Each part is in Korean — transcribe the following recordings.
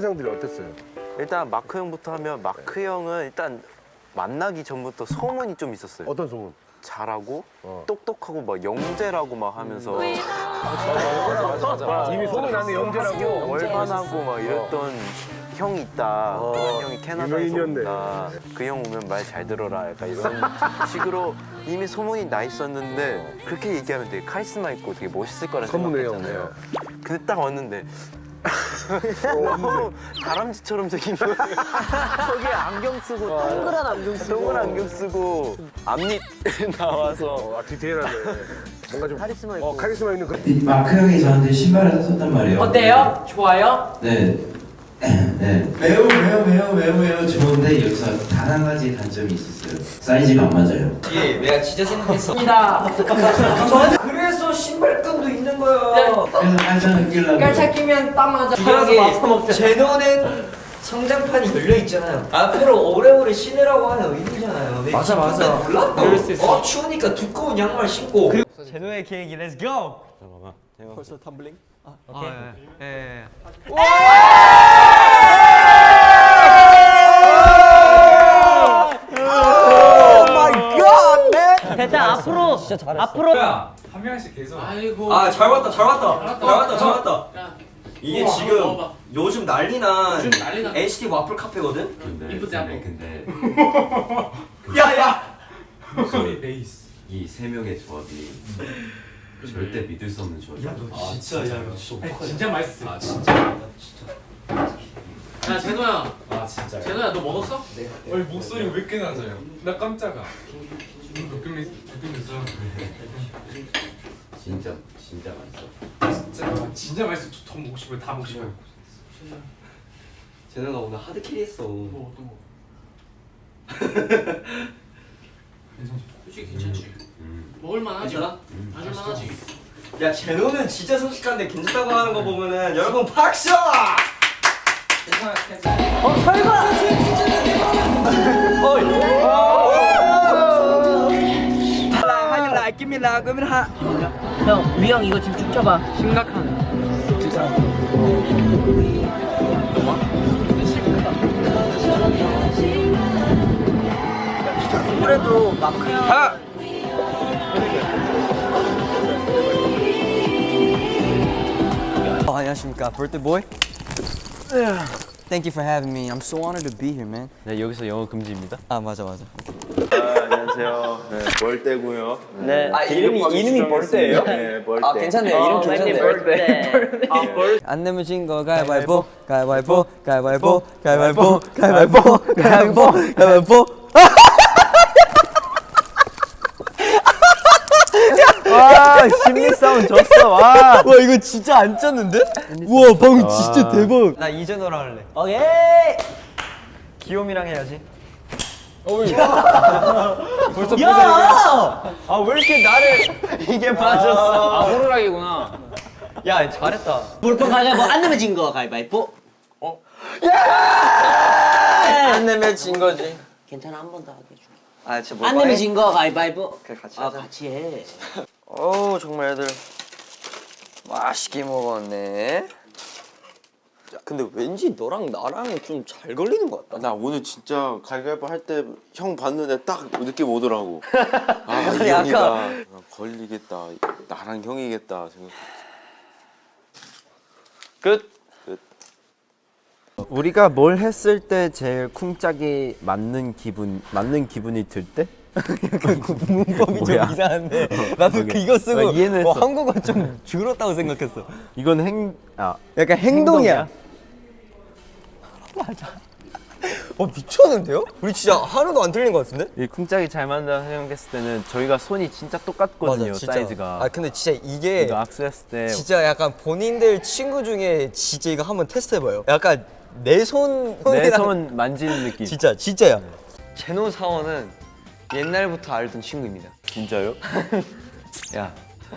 첫인상들이 어땠어요? 일단 마크 형부터 하면 마크 형은 일단 만나기 전부터 소문이 좀 있었어요. 어떤 소문? 잘하고 똑똑하고 막 영재라고 막 하면서 이미 소문 나는 영재라고. 월반하고 막 이랬던 형이 있다. 그런 형이 캐나다에서 유명인이었네. 온다. 그 형 오면 말 잘 들어라. 약간 이런 식으로 이미 소문이 나 있었는데 그렇게 얘기하면 되게 카리스마 있고 되게 멋있을 거라 선문의 생각했잖아요. 근데 딱 왔는데 너무 다람쥐처럼 생긴 거예요. 저기 안경 쓰고 동그란 안경 쓰고 앞니 나와서 디테일하네. 뭔가 좀 카리스마 있고. 카리스마 있는 그. 마크 형이 저한테 신발을 샀었단 말이에요. 어때요? 좋아요? 네. 네. 매우 좋은데 여기서 단 한 가지 단점이 있었어요. 사이즈가 안 맞아요. 이게 내가 진짜 생각했어. 입니다. 그래서 신발끈도 있는 거야. 그래서 깔창을 끼려고. 깔차 끼면 딱 맞아. 중요하게 밥사 먹자. 제너는 성장판이 열려 있잖아요. 앞으로 오래오래 신으라고 하는 의미잖아요. 맞아. 몰라? 그럴 수 있어. 추우니까 두꺼운 양말 신고. 제노의 계획이 렛츠 고! 벌써 텀블링? 오케이. 예. 일단 앞으로 앞으로 한 명씩 계속. 아이고. 잘 왔다. 이게 지금 요즘 난리난 NCT 와플 카페거든? 이쁘지 않아? 근데 야야! 목소리 베이스. 이 세 명의 조합이 절대 믿을 수 없는 조합이야. 진짜 맛있어. 아 진짜. 야 제노야. 아 진짜. 제노야 너 먹었어? 네. 아니 목소리 왜 이렇게 낮아요? 나 깜짝아. 느낌이 있어. 진짜 맛있어. 진짜 맛있어. 더 먹고 싶어요. 다 먹고 싶어요. 제너가 오늘 하드 캐리했어. 또. 솔직히 괜찮지. 먹을만하지. 괜찮아? 마실만하지. 야 제노는 진짜 솔직한데 괜찮다고 하는 거 보면은 여러분 박수! 형 위형 이거 지금 쭉 쳐봐. 심각한. 그래도 마크 형 안녕하십니까, birthday boy. Thank you for having me. I'm so honored to be here, man. 네, 여기서 영어 금지입니다. 아 맞아. 안녕하세요. 네, 벌떼고요. 네. 아 이름이 벌떼예요? 네, 벌떼. 아 괜찮네요. 이름 괜찮네. 안 내면 진 거 가위바위보, 가위바위보, 가위바위보, 가위바위보, 가위바위보, 가위바위보, 가위바위보. 와, 심리 싸움 졌어. 와. 와 이거 진짜 안 짰는데? 우와 방금 진짜 대박. 나 이재노랑 할래. 오케이. 기욤이랑 해야지. 벌써 야! 아 왜 이렇게 나를 이게 맞았어? 호루라기구나. 야 잘했다. 볼펜 가위바위보 안 내면 진 거 가위바위보. 안 내면 진 거지. 괜찮아 한 번 더 하게 해줄게. 아 진짜 안 내면 진 거 가위바위보. 그래 같이 아 하자. 같이 해. 어우 정말 애들 맛있게 먹었네. 근데 왠지 너랑 나랑 좀 잘 걸리는 것 같다. 나 오늘 진짜 가위바위보 할 때 형 봤는데 딱 느낌 오더라고. 아, 이 약간- 형이다. 아, 걸리겠다. 나랑 형이겠다 생각. 끝. 우리가 뭘 했을 때 제일 쿵짝이 맞는 기분이 들 때? 문법이 좀 이상한데 나도 오케이. 이거 쓰고 이해는 했어. 한국어 좀 줄었다고 생각했어. 이건 약간 행동이야. 맞아. 미쳤는데요? 우리 진짜 하나도 안 틀린 것 같은데? 이 쿵짝이 잘 맞는다 생각했을 때는 저희가 손이 진짜 똑같거든요. 사이즈가. 아 근데 진짜 이게 이거 악수했을 때 진짜 약간 본인들 친구 중에 진짜 이거 한번 테스트해봐요. 약간 내 손 만지는 느낌. 진짜야. 제노 사원은 옛날부터 알던 친구입니다. 진짜요? 야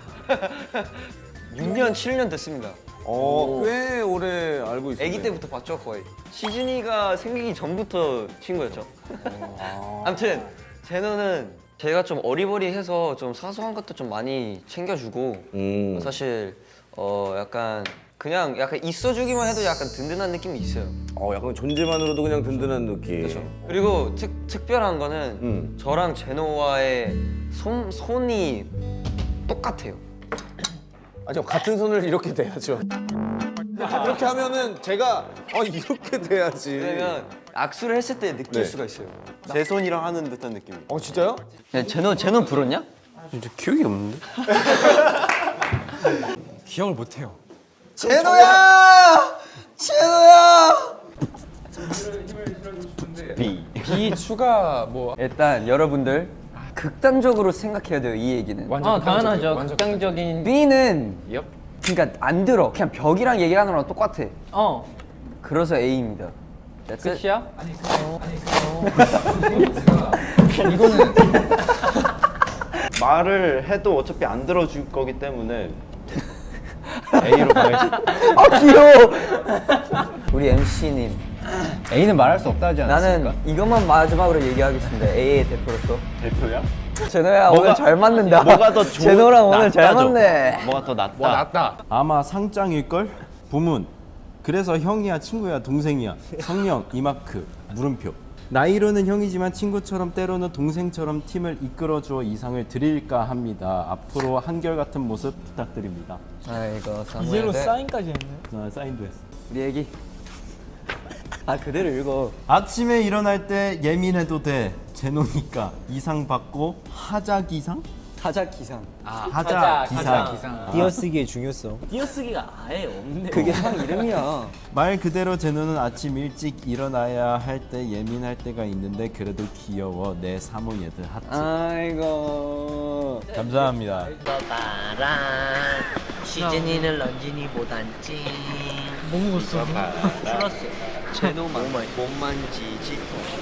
6년 7년 됐습니다. 꽤 오래 알고 있어요. 아기 때부터 봤죠 거의. 시즌이가 생기기 전부터 친구였죠. 아무튼 제노는 제가 좀 어리버리해서 좀 사소한 것도 좀 많이 챙겨주고 사실 약간 그냥 약간 있어주기만 해도 약간 든든한 느낌이 있어요. 약간 존재만으로도 그냥 든든한 느낌. 그리고 특별한 거는 저랑 제노와의 손이 똑같아요. 아니요, 같은 손을 이렇게 대야죠. 이렇게 하면은 제가 이렇게 돼야지. 왜냐면 악수를 했을 때 느낄 네. 수가 있어요. 제 손이랑 하는 듯한 느낌이. 진짜요? 야, 제노 불었냐? 진짜 기억이 없는데? 기억을 못해요. 제노야! B 추가 뭐 일단 여러분들 극단적으로 생각해야 돼요, 이 얘기는. 완전 당연하죠. 극단적인 B는 그러니까 안 들어. 그냥 벽이랑 얘기하는 거랑 똑같아. 그래서 A입니다. 끝이야? 말을 해도 어차피 안 들어줄 거기 때문에 A로 가야지. 귀여워. 우리 MC님. A는 말할 수 없다 하지 나는 이것만 마지막으로 얘기하겠습니다. A의 대표로서. 대표야? 제노야 오늘 잘 맞는다. 뭐가 더 좋은? 제노랑 오늘 잘 낫다, 좀. 맞네. 뭐가 더 낫다? 낫다. 아마 상장일걸? 부문. 그래서 형이야 친구야 동생이야. 성령 이마크 물음표. 나이로는 형이지만 친구처럼 때로는 동생처럼 팀을 이끌어주어 이상을 드릴까 합니다. 앞으로 한결같은 모습 부탁드립니다. 아이고 이제로 사인까지 했네. 사인도 했어. 우리 애기. 그대로 읽어. 아침에 일어날 때 예민해도 돼. 제노니까 이상 받고 하자 기상? 타자 기상. 하자 기상. 띄어쓰기의 중요성. 띄어쓰기가 아예 없네. 그게 상 이름이야. 말 그대로 제노는 아침 일찍 일어나야 할 때 예민할 때가 있는데 그래도 귀여워. 내 사모 얘들 하트. 아이고. 감사합니다. 봐라. 시즌이는 런쥔이보단 찡. 뭐 먹었어? 풀었어. 제노만 못 만지지.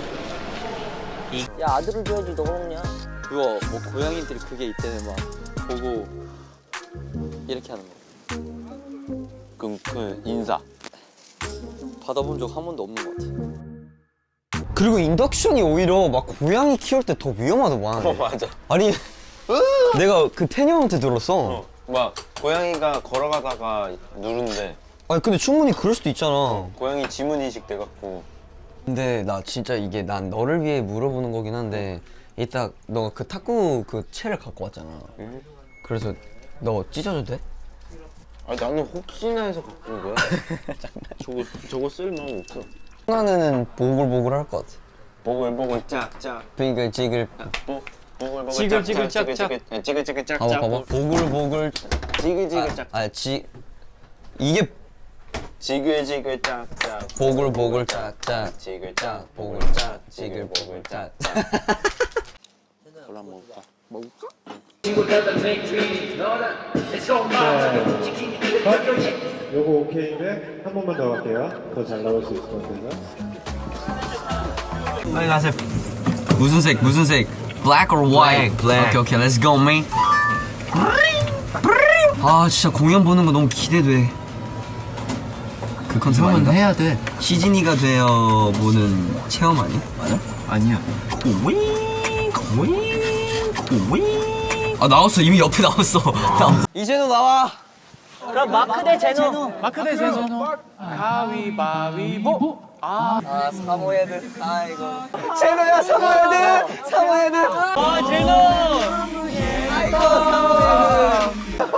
야 아들을 줘야지 너가 먹냐? 그거 뭐 고양이들이 그게 있대네 막 보고 이렇게 하는 거. 그 인사 받아본 적 한 번도 없는 것 같아. 그리고 인덕션이 오히려 막 고양이 키울 때 더 위험하더만. 맞아. 아니 내가 그 태녀한테 들었어. 막 고양이가 걸어가다가 누른데 아니 근데 충분히 그럴 수도 있잖아. 고양이 지문 인식 돼갖고 근데 나 진짜 이게 난 너를 위해 물어보는 거긴 한데 이따 너가 그 탁구 그 채를 갖고 왔잖아. 그래서 너 찢어도 돼? 아니 나는 혹시나 해서 갖고 온 거야. 저거 쓸 마음 없어. 하나는 보글보글 할 것 같아. 보글보글 짝짝. 그러니까 지글 보글보글 지글지글 짝짝. 지글지글 짝짝. 봐봐 보글보글 지글지글 짝짝. 이게 지글지글 짝짝. 보글보글 짝짝 지글짝 보글 짝 지글보글 짝짝. 그걸 한번 먹을까? 요거 오케이인데 한 번만 더 갈게요. 더 잘 나올 수 있을 것 같아요. 빨리 가세요. 무슨 색? Black or white? Black. 오케이, let's go, man. 아, 진짜 공연 보는 거 너무 기대돼. 그 컨셉 아닌가? 해야 돼. 시즈니가 되어 보는 체험 아니야? 맞아? 아니야. 아 나왔어. 이미 옆에 나왔어. 이제는 나와. 그럼 마크 대 제노. 가위바위보. 사모 애들. 아이고. 제노야, 사모 애들. 사모 애들. 제노. 아이고, 사모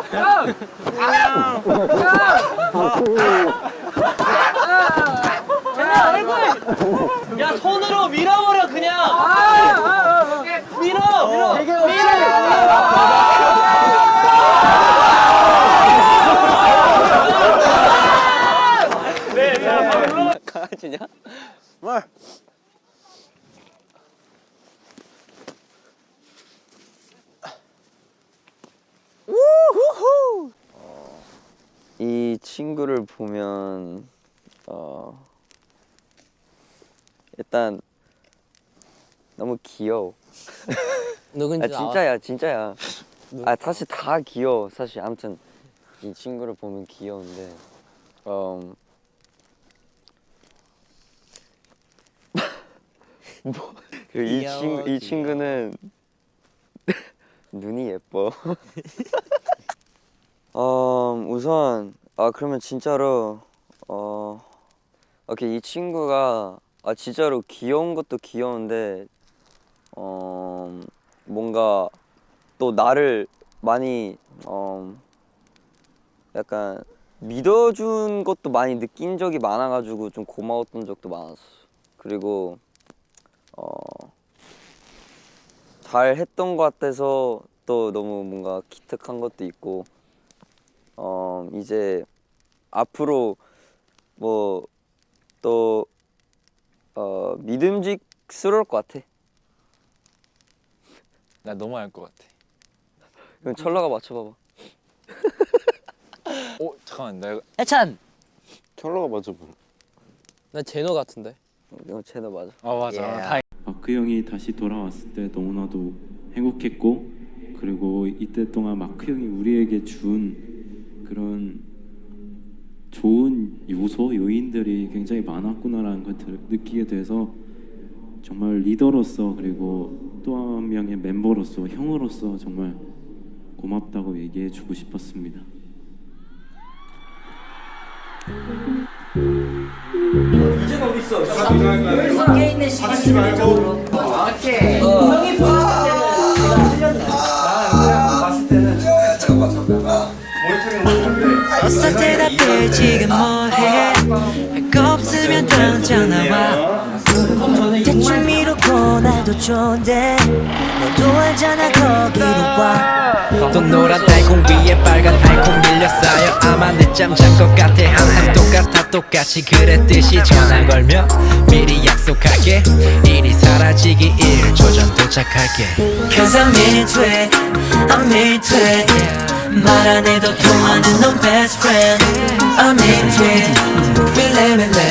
얼굴. 야 손으로 밀어버려 그냥. 밀어. 강아지냐? 이 친구를 보면 일단 너무 귀여워. 누군지 진짜야. 사실 다 귀여워. 사실 아무튼 이 친구를 보면 귀여운데 이 친구는 눈이 예뻐. 우선 아 그러면 진짜로 오케이 이 친구가 진짜로 귀여운 것도 귀여운데 뭔가 또 나를 많이 약간 믿어준 것도 많이 느낀 적이 많아가지고 좀 고마웠던 적도 많았어. 그리고 잘 했던 것 같아서 또 너무 뭔가 기특한 것도 있고 이제 앞으로 뭐 또 믿음직스러울 것 같아. 나 너무 알 것 같아. 그럼 철러가 맞춰봐봐. 잠깐만 내가 해찬. 철러가 맞춰봐. 나 제노 같은데. 이거 쟤너 맞아. 맞아. 마크 형이 다시 돌아왔을 때 너무나도 행복했고 그리고 이때 동안 마크 형이 우리에게 준 그런 좋은 요소, 요인들이 굉장히 많았구나라는 걸 느끼게 돼서 정말 리더로서 그리고 또 한 명의 멤버로서 형으로서 정말 고맙다고 얘기해 주고 싶었습니다. 이제 어디 있어? 여기 밖에 있는 시간이 말고. 오케이. 형이 봤을 때는 제가 틀렸네. 봤을 때는 잠깐만. 어서 대답해 지금 뭐해 할 거 없으면 던져나와 대충 미루고 나도 좋은데 너도 알잖아 거기로 와 또 노란 달콩 위에 빨간 달콩 밀려 쌓여 아마 늦잠 잔 것 같아 항상 똑같아 똑같이 그랬듯이 전화 걸며 미리 약속할게 일이 사라지기 1초 전 도착할게 Cause I'm into it I'm into it 말 안 해도 통하는 넌 best friend I'm into it Feel it